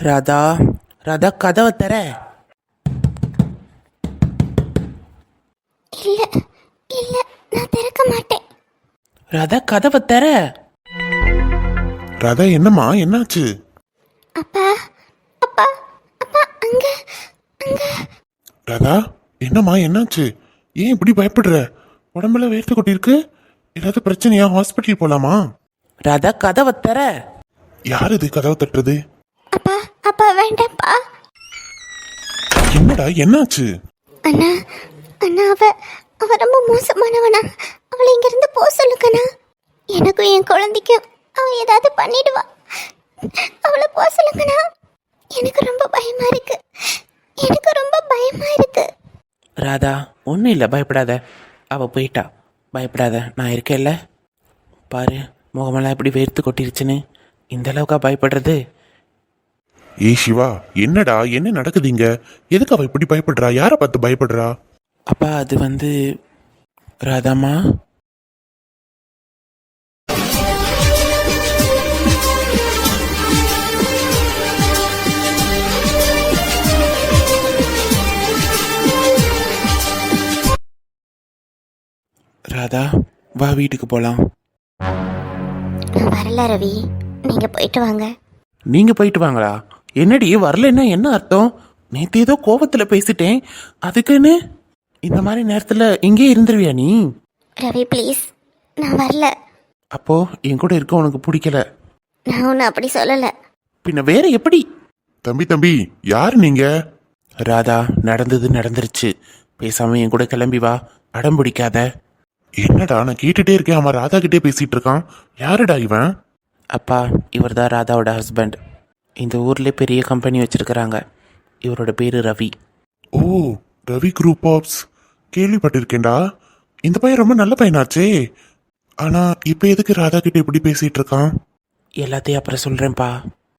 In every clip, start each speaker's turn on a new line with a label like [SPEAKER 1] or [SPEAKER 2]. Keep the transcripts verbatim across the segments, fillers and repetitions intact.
[SPEAKER 1] ராதா ராதா கதவை தர.
[SPEAKER 2] இல்ல இல்ல நான் திறக்க மாட்டேன்.
[SPEAKER 1] ராதா கதவை தர.
[SPEAKER 3] ராதா என்னம்மா என்னாச்சு?
[SPEAKER 2] அப்பா அப்பா அப்பா அங்க அங்க.
[SPEAKER 3] ராதா என்னம்மா என்னாச்சு? ஏன் இப்படி பயப்படுற? உடம்புல வேர்த்து கொட்டிருக்கு. ஏதாவது பிரச்சனையா? ஹாஸ்பிட்டல் போலாமா?
[SPEAKER 1] ராதா கதவை தர.
[SPEAKER 3] யார் இது கதவை தட்டுறது?
[SPEAKER 2] அப்பா அப்பா வேண்டாம்ப்பா.
[SPEAKER 3] என்னடா என்னாச்சு?
[SPEAKER 2] அண்ணா அண்ணா அவ அவ ரொம்ப மோசமானவனா. அவளை இங்கிருந்து போக சொல்லுங்கண்ணா. எனக்கும் என் குழந்தைக்கும் அவ ஏதாவது பண்ணிடுவா. அவளை போக சொல்லுங்கண்ணா. எனக்கு ரொம்ப பயமா இருக்கு. எனக்கு ரொம்ப பயமா இருக்கு.
[SPEAKER 1] ராதா ஒன்றும் இல்லை, பயப்படாத. அவள் போயிட்டா, பயப்படாத, நான் இருக்கேன்ல. பாரு முகமெல்லாம் எப்படி வேர்த்து கொட்டிருச்சுன்னு. இந்த அளவுக்கா பயப்படுறது?
[SPEAKER 3] ஏ சிவா, என்னடா என்ன நடக்குதுங்க? எதுக்கு அவ இப்படி பயப்படுறா? யாரை பார்த்து பயப்படுறா?
[SPEAKER 1] அப்பா அது வந்து ராதாம்மா. ராதா வா வீட்டுக்கு போகலாம்.
[SPEAKER 2] நான் வரல ரவி, நீங்க போயிட்டு வாங்க.
[SPEAKER 1] நீங்கள் போயிட்டு வாங்களா? என்னடி வரலன்னா என்ன அர்த்தம்? நேற்று ஏதோ கோபத்தில் பேசிட்டேன், அதுக்குன்னு இந்த மாதிரி நேரத்தில் இங்கே இருந்துருவியா நீ?
[SPEAKER 2] ரவி ப்ளீஸ், நான் வரல.
[SPEAKER 1] அப்போ என் கூட இருக்க உனக்கு பிடிக்கல?
[SPEAKER 2] நான் ஒன்றும் அப்படி சொல்லலை.
[SPEAKER 1] பின்ன வேற எப்படி?
[SPEAKER 3] தம்பி தம்பி யார் நீங்க?
[SPEAKER 1] ராதா நடந்தது நடந்துருச்சு, பேசாம என் கூட கிளம்பி வா, அடம் பிடிக்காத.
[SPEAKER 3] என்னடா நான் கேட்டுட்டே இருக்கேன், அவன் ராதா கிட்டே பேசிட்டு இருக்கான். யாருடா இவன்?
[SPEAKER 1] அப்பா இவர் தான் ராதாவோட ஹஸ்பண்ட். இந்த ஊர்ல பெரிய கம்பெனி வச்சிருக்கிறாங்க. இவரோட பேரு ரவி.
[SPEAKER 3] ஓ, ரவி குரூப் ஆப்ஸ் கேள்விப்பட்டிருக்கேன்டா. இந்த பையன் ரொம்ப நல்ல பையனாச்சே. ஆனா இப்ப எதுக்கு ராதா கிட்ட இப்படி பேசிட்டு இருக்கான்?
[SPEAKER 1] எல்லாத்தையும் அப்புறம் சொல்றேன்ப்பா.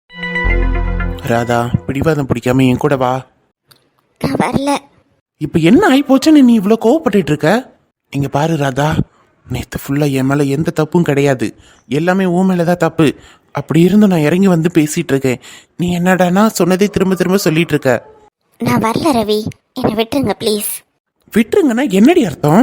[SPEAKER 1] ராதா பிடிவாதம் பிடிக்காம என் கூட வா.
[SPEAKER 2] நான் வரல.
[SPEAKER 1] இப்ப என்ன ஆகி போச்சுன்னு நீ இவ்வளோ கோவப்பட்டு இருக்க? இங்க பாரு ராதா, நேற்று ஃபுல்லாக என் மேலே எந்த தப்பும் கிடையாது, எல்லாமே உன் மேலே தான் தப்பு. அப்படி இருந்து நான் இறங்கி வந்து பேசிட்டு இருக்கேன், நீ என்னடானா சொன்னதே திரும்ப திரும்ப சொல்லிட்டு இருக்க.
[SPEAKER 2] நான் வரல ரவி, என்னை விட்டுருங்க ப்ளீஸ்.
[SPEAKER 1] விட்டுருங்கன்னா என்னடி அர்த்தம்?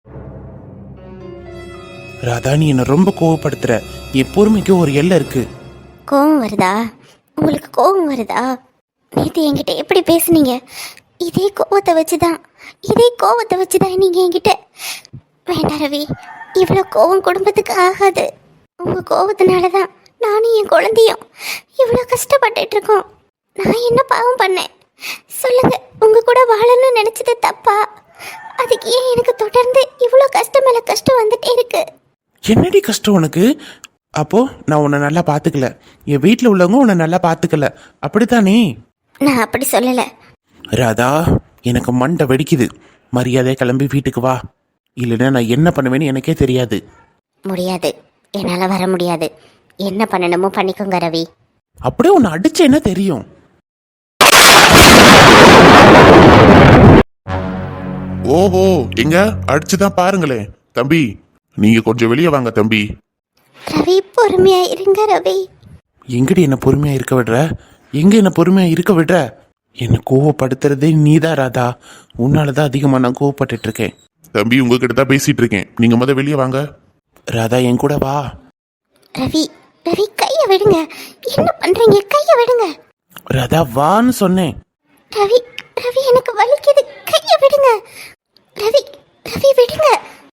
[SPEAKER 1] ராதா நீ என்னை ரொம்ப கோவப்படுத்துற. என் பொறுமைக்கு ஒரு எல்லை இருக்கு.
[SPEAKER 2] கோவம் வருதா? உங்களுக்கு கோவம் வருதா? நேற்று என்கிட்ட எப்படி பேசுனீங்க? இதே கோவத்தை வச்சுதான் இதே கோவத்தை வச்சுதான் நீங்க என்கிட்ட. வேண்டாம் ரவி, இவ்வளோ கோவம் குடும்பத்துக்கு ஆகாது. உங்க கோவத்தினால தான் நானும் என் குழந்தையும் இவ்வளோ கஷ்டப்பட்டுட்டு இருக்கோம். நான் என்ன பாவம் பண்ணேன் சொல்லுங்க? உங்க கூட வாழணும்னு நினைச்சது தப்பா? அதுக்கு ஏன் எனக்கு தொடர்ந்து இவ்வளோ கஷ்டம் மேல கஷ்டம் வந்துட்டே இருக்கு?
[SPEAKER 1] என்னடி கஷ்டம் உனக்கு? அப்போ நான் உன்னை நல்லா பார்த்துக்கல, என் வீட்டில் உள்ளவங்க உன்னை நல்லா பார்த்துக்கல, அப்படித்தானே?
[SPEAKER 2] நான் அப்படி சொல்லலை
[SPEAKER 1] ராதா. எனக்கு மண்டை வெடிக்குது. மரியாதையை கிளம்பி வீட்டுக்கு வா, இல்லைன்னா நான் என்ன பண்ணுவேன்னு எனக்கே தெரியாது.
[SPEAKER 2] முடியாது, என்னால் வர முடியாது. என்ன பண்ணணுமோ பண்ணிக்கோங்க ரவி.
[SPEAKER 1] அப்படியே உன்னை அடிச்சு என்ன தெரியும்?
[SPEAKER 3] ஓஹோ, எங்க அடிச்சுதான் பாருங்களேன். தம்பி நீங்க கொஞ்சம் வெளியே வாங்க தம்பி.
[SPEAKER 2] ரவி பொறுமையா இருங்க ரவி.
[SPEAKER 1] எங்கடி என்ன பொறுமையா இருக்க விடுற? எங்க என்ன பொறுமையா இருக்க விடுற? என்னை கோவப்படுத்துறதே நீதான் ராதா. உன்னாலதான் அதிகமா நான் கோவப்பட்டு இருக்கேன்.
[SPEAKER 3] தம்பி உங்ககிட்ட தான் பேசிட்டு இருக்கேன், நீங்க முத வெளியே வாங்க.
[SPEAKER 1] ராதா என் கூட வா.
[SPEAKER 2] ரவி ரவி கைய விடுங்க. என்ன பண்றீங்க? கைய விடுங்க.
[SPEAKER 1] ராதா வான்னு சொன்னேன்.
[SPEAKER 2] ரவி ரவி எனக்கு வலிக்குது, கைய விடுங்க. ரவி ரவி விடுங்க.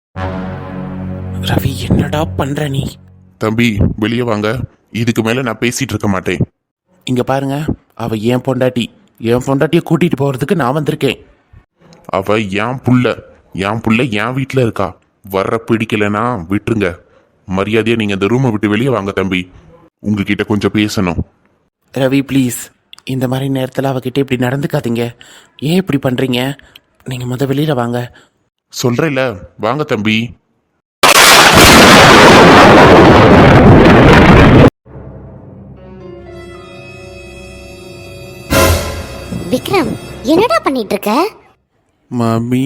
[SPEAKER 1] ரவி என்னடா பண்ற நீ?
[SPEAKER 3] தம்பி வெளியே வாங்க, இதுக்கு மேல நான் பேசிட்டு இருக்க மாட்டேன்.
[SPEAKER 1] இங்க பாருங்க, அவ என் பொண்டாட்டி. என் பொண்டாட்டியை கூட்டிட்டு போறதுக்கு நான் வந்திருக்கேன்.
[SPEAKER 3] அவ என் புள்ள, என் புள்ள என் வீட்டுல இருக்கா. வர்ற பிடிக்கலனா விட்டுருங்க. மரியாதையா நீங்க இந்த ரூமை விட்டு வெளியே வாங்க தம்பி, உங்ககிட்ட கொஞ்சம் பேசணும்.
[SPEAKER 1] ரவி ப்ளீஸ், இந்த மாதிரி நேரத்தில் அவகிட்ட இப்படி நடந்துக்காதீங்க. ஏன் இப்படி பண்றீங்க? நீங்க முத வெளியில வாங்க.
[SPEAKER 3] சொல்றேன்ல, வாங்க தம்பி.
[SPEAKER 2] விக்ரம் என்னடா பண்ணிட்டு இருக்க?
[SPEAKER 1] மாமி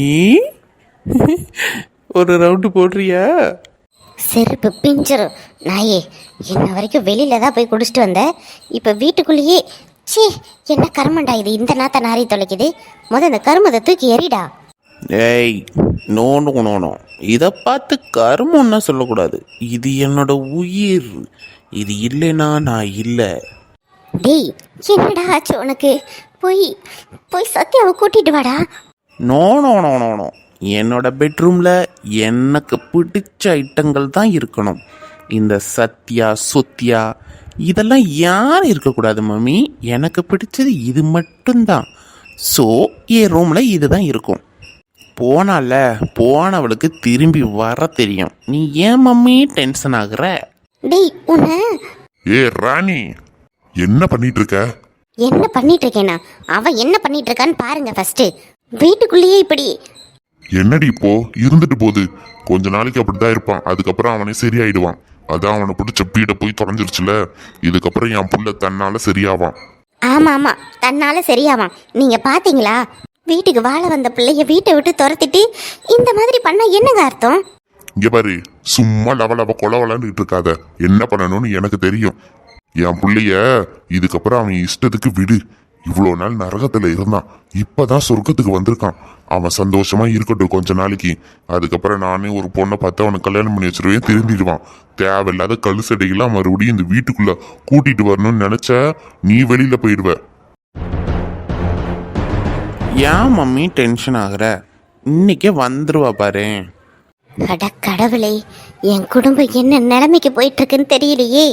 [SPEAKER 1] ஒரு ரவுண்டு போடுறியா?
[SPEAKER 2] செருப்பு பிஞ்சிரும் நாயே. என்ன வரைக்கும் வெளியில தான் போய் குடிச்சிட்டு வந்த, இப்போ வீட்டுக்குள்ளேயே சீ, என்ன கருமண்டா இது, இந்த நாத்த நாரி தொலைக்குது. முத இந்த கருமத்தை தூக்கி எறிடா.
[SPEAKER 1] ஏய், நோ நோ நோ நோ, இதை பார்த்து கருமம்னா சொல்லக்கூடாது. இது என்னோட உயிர். இது இல்லைன்னா நான் இல்லை.
[SPEAKER 2] டேய், என்னடா ஆச்சு உனக்கு? போய் போய் சத்யாவை கூட்டிட்டு வாடா.
[SPEAKER 1] No no no no no, என்னோட பெட்ரூமில் எனக்கு பிடிச்ச ஐட்டங்கள் தான் இருக்கணும். இந்த சத்யா சொத்யா இதெல்லாம் யாரும் இருக்கக்கூடாது மம்மி. எனக்கு பிடிச்சது இது மட்டும்தான். ஸோ என் ரூமில் இதுதான் இருக்கும். போனால போனவளுக்கு திரும்பி வர தெரியும். நீ ஏன் மம்மி டென்ஷன் ஆகுற?
[SPEAKER 2] டேய், உன்னை
[SPEAKER 3] ஏ ராணி, என்ன பண்ணிட்டு இருக்க?
[SPEAKER 2] என்ன பண்ணிட்டு இருக்கேனா? அவ என்ன பண்ணிட்டு இருக்கான்னு பாருங்க ஃபர்ஸ்ட். வீட்டுக்குள்ளேயே இப்படி.
[SPEAKER 3] என்னடி இப்போ இருந்துட்டு போகுது. கொஞ்ச நாளைக்கு அப்படிதான் இருப்பான், அதுக்கப்புறம் அவனே சரியாயிடுவான். அதான் அவனை பிடிச்ச பீடை போய் தொலைஞ்சிருச்சுல. இதுக்கப்புறம் என் புள்ள தன்னால சரியாவான்.
[SPEAKER 2] ஆமா ஆமா, தன்னால சரியாவான். நீங்க பாத்தீங்களா? வீட்டுக்கு வாழ வந்த பிள்ளைய வீட்டை விட்டு துரத்திட்டு இந்த மாதிரி பண்ண என்னங்க அர்த்தம்?
[SPEAKER 3] இங்க பாரு, சும்மா லவ லவ கொல வளர்ந்துட்டு இருக்காத. என்ன பண்ணணும்னு எனக்கு தெரியும். என் புள்ளைய இதுக்கப்புறம் அவன் இஷ்டத்துக்கு விடு. இவ்வளோ நாள் நரகத்துல இருந்தான், இப்பதான் சொர்க்கத்துக்கு வந்திருக்கான். அவன் சந்தோஷமா இருக்கட்டும் கொஞ்ச நாளைக்கு. அதுக்கப்புறம் நானே ஒரு பொண்ணை பார்த்து அவனுக்கு கல்யாணம் பண்ணி வச்சிருவேன், திரும்பிடுவான். தேவையில்லாத கழுசடைகள்லாம் மறுபடியும் இந்த வீட்டுக்குள்ள கூட்டிட்டு வரணும்னு நினைச்ச நீ வெளியில போயிடுவ.
[SPEAKER 1] ஏன் மம்மி டென்ஷன் ஆகுற? இன்னைக்கே வந்துருவா பாரு.
[SPEAKER 2] அட கடவுளே, என் குடும்பம் என்ன நிலைமைக்கு போயிட்டு இருக்குன்னு தெரியலையே.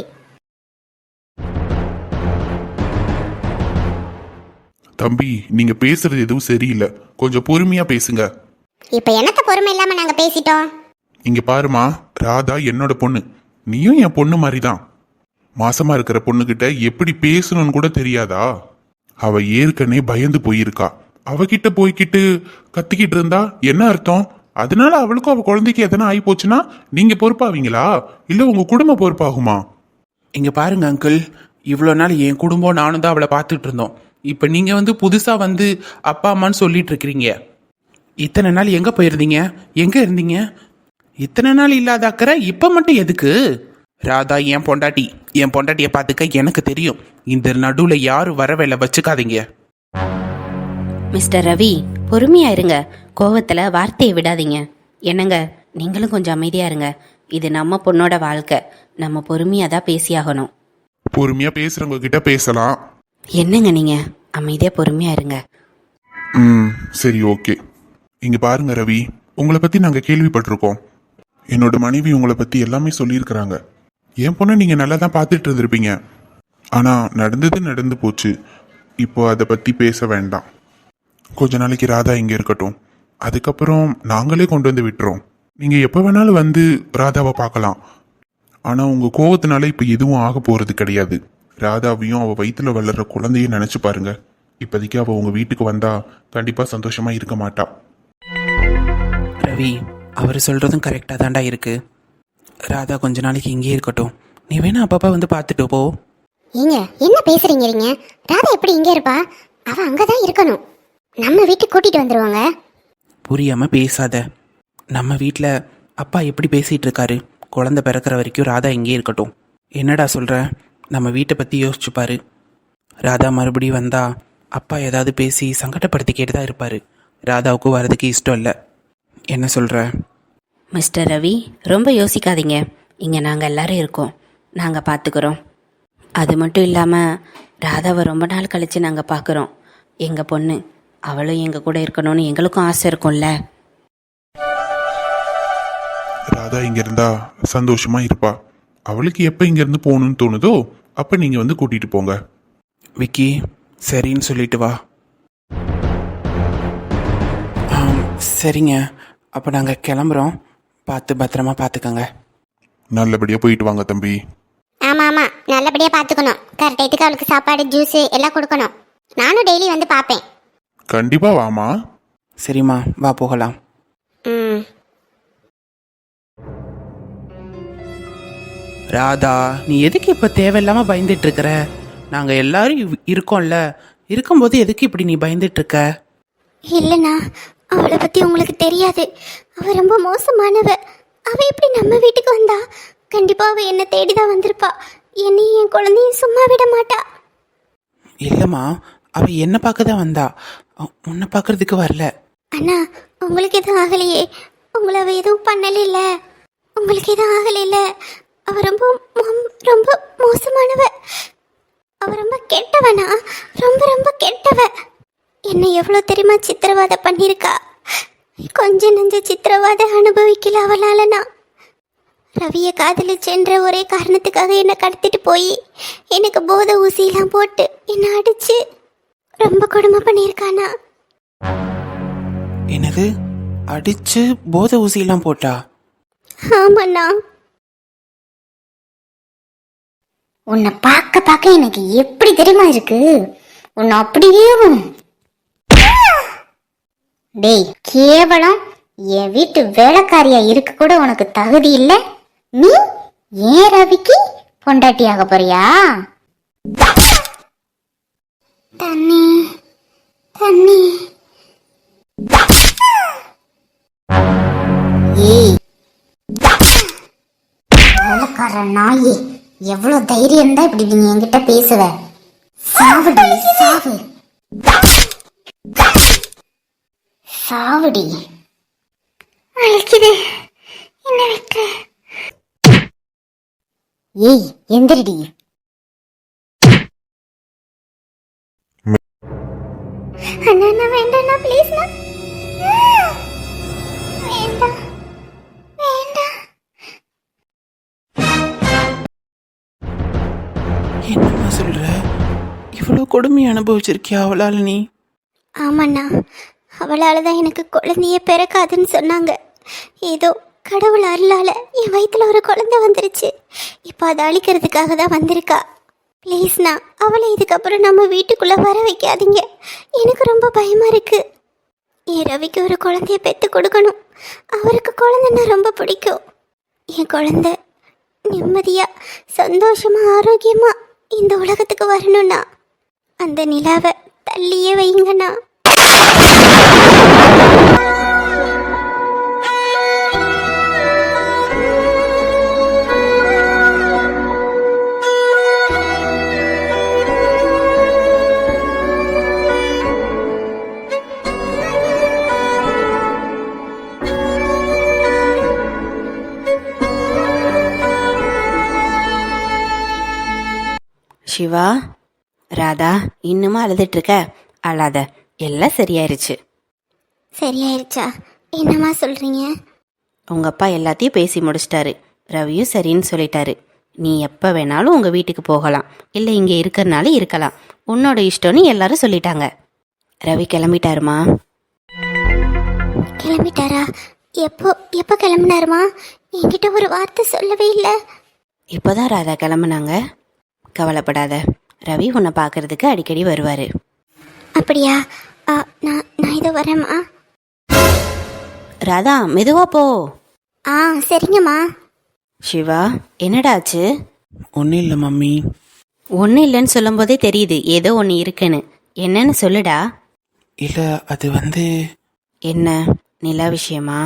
[SPEAKER 3] தம்பி, நீங்க பேசுறது எதுவும் சரியில்லை. கொஞ்சம் பொறுமையா பேசுங்க.
[SPEAKER 2] இப்ப என்னத்த பொறுமை இல்லாம நாங்க பேசிட்டோம்?
[SPEAKER 3] இங்க பாருமா, ராதா என்னோட பொண்ணு, நீயும் என் பொண்ணு மாதிரி தான். மாசமா இருக்கிற பொண்ணுகிட்ட எப்படி பேசணும்னு கூட தெரியாதா? அவ ஏற்கனவே பயந்து போயிருக்கா. அவகிட்ட போய்கிட்டு கத்திக்கிட்டு இருந்தா என்ன அர்த்தம்? அதனால அவளுக்கும் அவ குழந்தைக்கு எதனா ஆகி போச்சுன்னா நீங்க பொறுப்பாவீங்களா, இல்ல உங்க குடும்பம் பொறுப்பாகுமா?
[SPEAKER 1] இங்க பாருங்க அங்கிள், இவ்வளோ நாள் என் குடும்பம் நானும் தான் அவளை பார்த்துட்டு இருந்தோம். இப்போ நீங்க வந்து புதுசா வந்து அப்பா அம்மான்னு சொல்லிட்டு இருக்கிறீங்க. இத்தனை நாள் எங்க போயிருந்தீங்க? எங்க இருந்தீங்க? இத்தனை நாள் இல்லாத அக்கறை இப்ப மட்டும் எதுக்கு? ராதா என் பொண்டாட்டி, என் பொண்டாட்டியை பார்த்துக்க எனக்கு தெரியும். இந்த நடுவுல யாரும் வர வேலை வச்சுக்காதீங்க.
[SPEAKER 4] மிஸ்டர் ரவி, பொறுமையா இருங்க. கோவத்துல வார்த்தையை விடாதீங்க. என்னங்க, நீங்களும் கொஞ்சம் அமைதியா இருங்க. இது நம்ம பொண்ணோட வாழ்க்கை, நம்ம பொறுமையா தான் பேசியாகணும்.
[SPEAKER 3] பொறுமையா பேசுறவங்க கிட்ட பேசலாம்.
[SPEAKER 4] என்னங்க நீங்க அமைதியா பொறுமையா இருங்க.
[SPEAKER 3] ம், சரி, ஓகே. இங்க பாருங்க ரவி, உங்களை பத்தி நாங்க கேள்விப்பட்டிருக்கோம். என்னோட மனைவி உங்களை பத்தி எல்லாமே சொல்லியிருக்கிறாங்க. என் பொண்ணை நீங்க நல்லா தான் பார்த்துட்டு இருந்திருப்பீங்க. ஆனா நடந்தது நடந்து போச்சு. இப்போ அதை பத்தி பேச வேண்டாம். கொஞ்ச நாளைக்கு ராதா இங்க இருக்கட்டும். அதுக்கப்புறம் நாங்களே கொண்டு வந்து விட்டுறோம். நீங்க எப்போ வேணாலும் வந்து ராதாவை பார்க்கலாம். ஆனா உங்க கோவத்தினால இப்ப எதுவும் ஆக போறது கிடையாது. ராதாவையும் அவ வயிற்றுல வளர்ற குழந்தையும் நினைச்சு பாருங்க. இப்போதைக்கு அவ உங்க வீட்டுக்கு வந்தா கண்டிப்பா சந்தோஷமா இருக்க மாட்டா.
[SPEAKER 1] ரவி, அவர் சொல்றதும் கரெக்டா தாண்டா இருக்கு. ராதா கொஞ்ச நாளைக்கு இங்கே இருக்கட்டும். நீ வேணா அப்பப்பா வந்து பார்த்துட்டு போ.
[SPEAKER 2] ஏங்க என்ன பேசுறீங்க நீங்க? ராதா எப்படி இங்க இருப்பா? அவ அங்கதான் இருக்கணும். நம்ம வீட்டுக்கு கூட்டிட்டு வந்துருவாங்க.
[SPEAKER 1] புரியாம பேசாத. நம்ம வீட்டில் அப்பா எப்படி பேசிட்டு இருக்காரு? குழந்தை பிறக்கிற வரைக்கும் ராதா இங்கே இருக்கட்டும். என்னடா சொல்ற? நம்ம வீட்டை பற்றி யோசிச்சு பாரு. ராதா மறுபடியும் வந்தா அப்பா ஏதாவது பேசி சங்கடப்படுத்திக்கிட்டு தான் இருப்பார். ராதாவுக்கு வரதுக்கு இஷ்டம் இல்லை. என்ன சொல்கிற?
[SPEAKER 4] மிஸ்டர் ரவி, ரொம்ப யோசிக்காதீங்க. இங்கே நாங்கள் எல்லாரும் இருக்கோம், நாங்கள் பார்த்துக்குறோம். அது மட்டும் இல்லாமல் ராதாவை ரொம்ப நாள் கழித்து நாங்கள் பார்க்குறோம். எங்கள் பொண்ணு, அவளும் எங்கள் கூட இருக்கணும்னு எங்களுக்கும் ஆசை இருக்கும்ல.
[SPEAKER 3] ராதா இங்க இருந்தா சந்தோஷமா இருப்பா. அவளுக்கு எப்ப இங்க இருந்து போகணும்னு தோணுதோ அப்ப நீங்க வந்து கூட்டிட்டு போங்க.
[SPEAKER 1] விக்கி, சரின்னு சொல்லிட்டு வா. ஆம், சரிங்க. அப்போ நாங்கள் கிளம்புறோம். பார்த்து பத்திரமா பார்த்துக்கங்க.
[SPEAKER 3] நல்லபடியா போயிட்டு வாங்க தம்பி.
[SPEAKER 2] ஆமா ஆமா, நல்லபடியா பாத்துக்கணும். கரெக்ட் டைத்துக்கு அவளுக்கு சாப்பாடு ஜூஸ் எல்லாம் கொடுக்கணும். நானும் டெய்லி வந்து பார்ப்பேன்.
[SPEAKER 3] கண்டிப்பா வாமா.
[SPEAKER 1] சரிம்மா, வா போகலாம்.
[SPEAKER 2] ம்.
[SPEAKER 1] ராதா, நீ எதுக்கு இப்போ தேவையில்லாமல் பயந்துட்டு இருக்கிற? நாங்கள் எல்லாரும் இவ்- இருக்கோம்ல. இருக்கும்போது எதுக்கு இப்படி நீ பயந்துட்டு இருக்க?
[SPEAKER 2] இல்லைண்ணா, அவளை பத்தி உங்களுக்கு தெரியாது. அவ ரொம்ப மோசமானவ. அவ எப்படி நம்ம வீட்டுக்கு வந்தா? கண்டிப்பா அவ என்ன தேடிதான் வந்திருப்பா. என்னையும் என் குழந்தையும் சும்மா விட மாட்டா.
[SPEAKER 1] இல்லைம்மா, அவ என்ன பார்க்க தான் வந்தா, அ- உன்னை பார்க்கறதுக்கு வரல.
[SPEAKER 2] அண்ணா உங்களுக்கு எதுவும் ஆகலையே? உங்களை அவ எதுவும் பண்ணல? உங்களுக்கு எதுவும் ஆகலைல்ல? அவ ரொம்ப மோம்- ரொம்ப மோசமானவ. அவ ரொம்ப கெட்டவனா? ரொம்ப ரொம்ப கெட்டவ. என்ன எவ்வளோ தெரியுமா சித்திரவதை பண்ணியிருக்கா? கொஞ்ச நெஞ்ச சித்திரவதை அனுபவிக்கல அவளால. நான் ரவியை காதலிச்சென்ற ஒரே காரணத்துக்காக என்னை கடத்திட்டு போய் எனக்கு போதை ஊசியெல்லாம் போட்டு என்னை அடிச்சு ரொம்ப கொடுமை பண்ணியிருக்கானா.
[SPEAKER 1] என்னது, அடிச்சு போதை ஊசியெல்லாம் போட்டா?
[SPEAKER 2] ஆமாண்ணா.
[SPEAKER 5] உன்னை பார்க்க பார்க்க எனக்கு எப்படி தெரியுமா இருக்கு? உன்னை அப்படியே டேய், கேவலம் என் வீட்டு வேலைக்காரியா இருக்க கூட உனக்கு தகுதி இல்லை. நீ ஏன் ரவிக்கு பொண்டாட்டியாக போறியா? தண்ணி தண்ணி. ஏய் வேலைக்கார நாயே, எவ்வளவு தைரியம் தான் இப்படி நீங்க என்கிட்ட பேசுவ? சாவுடி சாவு சாவுடி. அழைக்குது என்ன விட்டு. ஏய் எந்திரடி.
[SPEAKER 2] அண்ணா வேண்டாண்ணா ப்ளீஸ்ண்ணா. வேண்டாம் வேண்டாம்.
[SPEAKER 1] என்னம்மா சொல்ற? இவ்வளோ கொடுமை அனுபவிச்சிருக்கியா அவளால் நீ?
[SPEAKER 2] ஆமாண்ணா, அவளால் தான் எனக்கு குழந்தையே பிறக்காதுன்னு சொன்னாங்க. ஏதோ கடவுள் அருளால் என் வயிற்றுல ஒரு குழந்தை வந்துருச்சு. இப்போ அதை அழிக்கிறதுக்காக தான் வந்திருக்கா. ப்ளீஸ்ண்ணா, அவளை இதுக்கப்புறம் நம்ம வீட்டுக்குள்ளே வர வைக்காதீங்க. எனக்கு ரொம்ப பயமாக இருக்குது. என் ரவிக்கு ஒரு குழந்தைய பெற்று கொடுக்கணும். அவருக்கு குழந்தைன்னா ரொம்ப பிடிக்கும். என் குழந்தை நிம்மதியாக சந்தோஷமாக ஆரோக்கியமாக இந்த உலகத்துக்கு வரணும்னா அந்த நிலாவை தள்ளியே வைங்கண்ணா.
[SPEAKER 4] சிவா, ராதா, இன்னுமா அழுதுட்டு இருக்க? அழாத, எல்லாம் சரியாயிருச்சு.
[SPEAKER 2] சரியாயிருச்சா? என்னம்மா சொல்கிறீங்க?
[SPEAKER 4] உங்கள் அப்பா எல்லாத்தையும் பேசி முடிச்சிட்டாரு. ரவியும் சரின்னு சொல்லிட்டாரு. நீ எப்போ வேணாலும் உங்கள் வீட்டுக்கு போகலாம், இல்லை இங்கே இருக்கிறனால இருக்கலாம். உன்னோட இஷ்டம்னு எல்லாரும் சொல்லிட்டாங்க. ரவி கிளம்பிட்டாருமா?
[SPEAKER 2] கிளம்பிட்டாரா? எப்போ எப்போ கிளம்பினாருமா? என்கிட்ட ஒரு வார்த்தை சொல்லவே இல்லை.
[SPEAKER 4] இப்போதான் ராதா கிளம்புனாங்க. கவலைப்படாத, ரவி உன்னை பார்க்கறதுக்கு அடிக்கடி வருவார்.
[SPEAKER 2] அப்படியா? ஆ, நான் நான் இதோ வரேம்மா.
[SPEAKER 4] ராதா, மெதுவா போ.
[SPEAKER 2] ஆ சரிங்கம்மா.
[SPEAKER 4] சிவா, என்னடா ஆச்சு?
[SPEAKER 1] ஒன்றும் இல்லை மம்மி.
[SPEAKER 4] ஒன்றும் இல்லைன்னு சொல்லும்போதே தெரியுது ஏதோ ஒன்று இருக்குன்னு. என்னன்னு சொல்லுடா.
[SPEAKER 1] இல்லை, அது வந்து
[SPEAKER 4] என்ன, நிலா விஷயமா?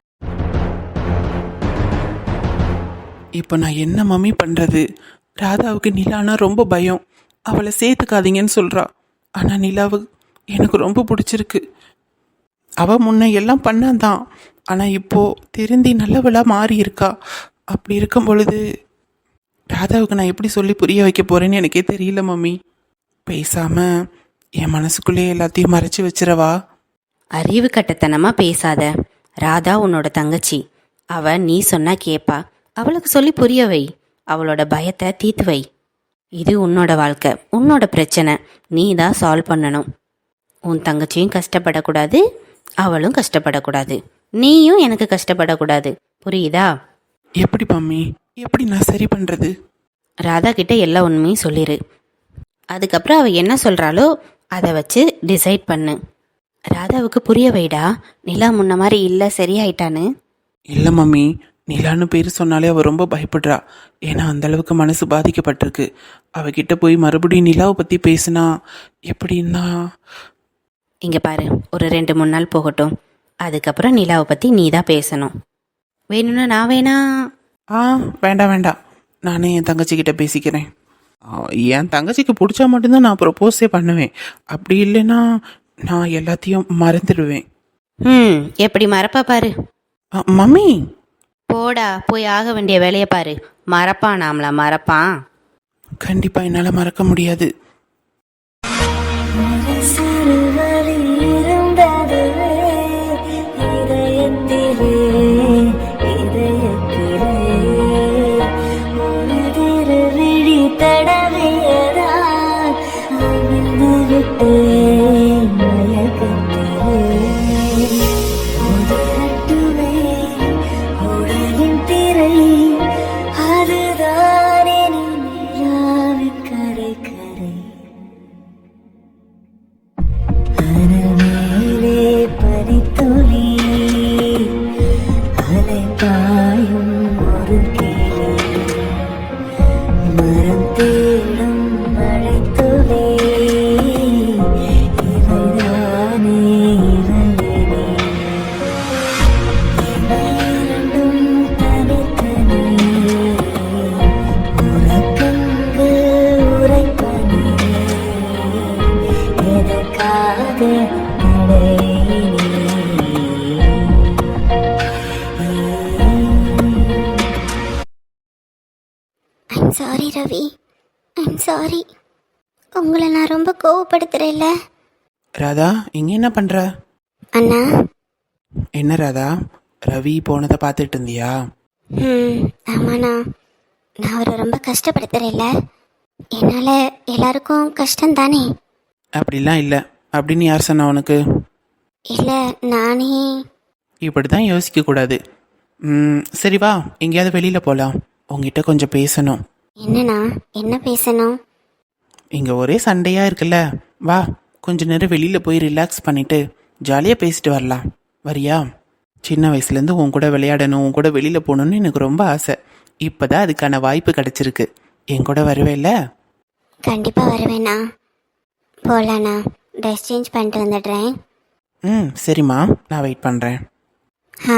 [SPEAKER 1] இப்போ நான் என்ன மம்மி பண்ணுறது? ராதாவுக்கு நிலானா ரொம்ப பயம். அவளை சேர்த்துக்காதீங்கன்னு சொல்கிறா. ஆனால் நிலாவு எனக்கு ரொம்ப பிடிச்சிருக்கு. அவள் முன்ன எல்லாம் பண்ணாதான், ஆனால் இப்போது திருந்தி நல்லவளாக மாறி இருக்கா. அப்படி இருக்கும் பொழுது ராதாவுக்கு நான் எப்படி சொல்லி புரிய வைக்க போகிறேன்னு எனக்கே தெரியல மம்மி. பேசாமல் என் மனசுக்குள்ளே எல்லாத்தையும் மறைச்சி வச்சிரவா?
[SPEAKER 4] அறிவு கட்டத்தனமாக பேசாத. ராதா உன்னோட தங்கச்சி. அவ நீ சொன்னா கேப்பா. அவளுக்கு சொல்லி புரிய வை. அவளோட பயத்தை தீர்த்து வை. இது உன்னோட வாழ்க்கை, உன்னோட பிரச்சனை. நீ தான் சால்வ் பண்ணணும். உன் தங்கச்சியும் கஷ்டப்படக்கூடாது, அவளும் கஷ்டப்படக்கூடாது. நீயும் எனக்கு கஷ்டப்படக்கூடாது. புரியுதா?
[SPEAKER 1] எப்படி மம்மி, எப்படி நான் சரி பண்ணுறது?
[SPEAKER 4] ராதா கிட்ட எல்லா உண்மையும் சொல்லிடு. அதுக்கப்புறம் அவள் என்ன சொல்கிறாளோ அதை வச்சு டிசைட் பண்ணு. ராதாவுக்கு புரிய வைடா, நிலா முன்ன மாதிரி இல்லை, சரியாயிட்டான்னு.
[SPEAKER 1] இல்லை மம்மி, நிலான்னு பேர் சொன்னாலே அவள் ரொம்ப பயப்படுறா. ஏன்னா அந்த அளவுக்கு மனசு பாதிக்கப்பட்டிருக்கு. அவகிட்ட போய் மறுபடியும் நிலாவை பற்றி பேசுனா எப்படின்னா...
[SPEAKER 4] இங்கே பாரு, ஒரு ரெண்டு மூணு நாள் போகட்டும். அதுக்கப்புறம் நிலாவை பற்றி நீ தான் பேசணும். வேணும்னா நான் வேணா...
[SPEAKER 1] ஆ வேண்டாம் வேண்டாம், நானே என் தங்கச்சிக்கிட்ட பேசிக்கிறேன். ஆ, என் தங்கச்சிக்கு பிடிச்சா மட்டும்தான் நான் ப்ரொப்போஸே பண்ணுவேன். அப்படி இல்லைன்னா நான் எல்லாத்தையும் மறந்துடுவேன்.
[SPEAKER 4] ம் எப்படி மறப்பா பாரு.
[SPEAKER 1] ஆ, மம்மி
[SPEAKER 4] போடா போய் ஆக வேண்டிய வேலையை பாரு. மறப்பான் நாமளா மறப்பான்.
[SPEAKER 1] கண்டிப்பா என்னால மறக்க முடியாது.
[SPEAKER 2] I'm sorry Ravi, I'm sorry. உங்களை நான் ரொம்ப கோவப்படுத்துறேன்ல.
[SPEAKER 1] ராதா இங்க என்ன பண்ற?
[SPEAKER 2] அண்ணா.
[SPEAKER 1] என்ன ராதா, ரவி போனதை பார்த்துட்டு இருந்தியா?
[SPEAKER 2] ம் ஆமாண்ணா, நான் அவரை ரொம்ப கஷ்டப்படுத்துறேன்ல. என்னால் எல்லாருக்கும் கஷ்டம் தானே.
[SPEAKER 1] அப்படிலாம் இல்லை. அப்படின்னு யார் சொன்னா உனக்கு?
[SPEAKER 2] இல்லை நானே.
[SPEAKER 1] இப்படி தான் யோசிக்க கூடாது. ம், சரி வா எங்கேயாவது வெளியில் போகலாம். உங்ககிட்ட கொஞ்சம் பேசணும்.
[SPEAKER 2] என்னண்ணா, என்ன பேசணும்?
[SPEAKER 1] இங்கே ஒரே சண்டையாக இருக்குல்ல, வா கொஞ்ச நேரம் வெளியில் போய் ரிலாக்ஸ் பண்ணிட்டு ஜாலியாக பேசிட்டு வரலாம். வரியா? சின்ன வயசுலேருந்து உன் கூட விளையாடணும், உன் கூட வெளியில் போகணுன்னு எனக்கு ரொம்ப ஆசை. இப்போ தான் அதுக்கான வாய்ப்பு கிடச்சிருக்கு. என் கூட வருவேல்ல?
[SPEAKER 2] கண்டிப்பாக வருவேண்ணா. போகலாண்ணா, ட்ரெஸ் சேஞ்ச் பண்ணிட்டு வந்துடுறேன்.
[SPEAKER 1] ம் சரிம்மா, நான் வெயிட் பண்ணுறேன்.
[SPEAKER 2] ஆ.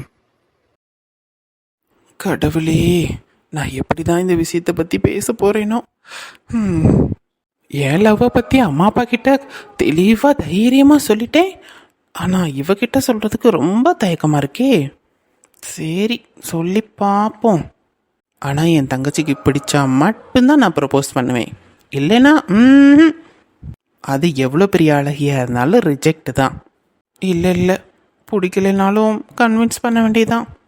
[SPEAKER 1] கடவுளே, நான் எப்படி தான் இந்த விஷயத்தை பற்றி பேச போகிறேனோ. ம், என் லவ்வை பற்றி அம்மா அப்பா கிட்ட தெளிவாக தைரியமாக சொல்லிட்டேன். ஆனால் இவகிட்ட சொல்கிறதுக்கு ரொம்ப தயக்கமாக இருக்கே. சரி சொல்லி பார்ப்போம். ஆனால் என் தங்கச்சிக்கு பிடிச்சா மட்டும்தான் நான் ப்ரப்போஸ் பண்ணுவேன். இல்லைன்னா ம், அது எவ்வளோ பெரிய அழகியாக இருந்தாலும் ரிஜெக்ட் தான். இல்லை இல்லை, பிடிக்கலைனாலும் கன்வின்ஸ் பண்ண வேண்டியதான்.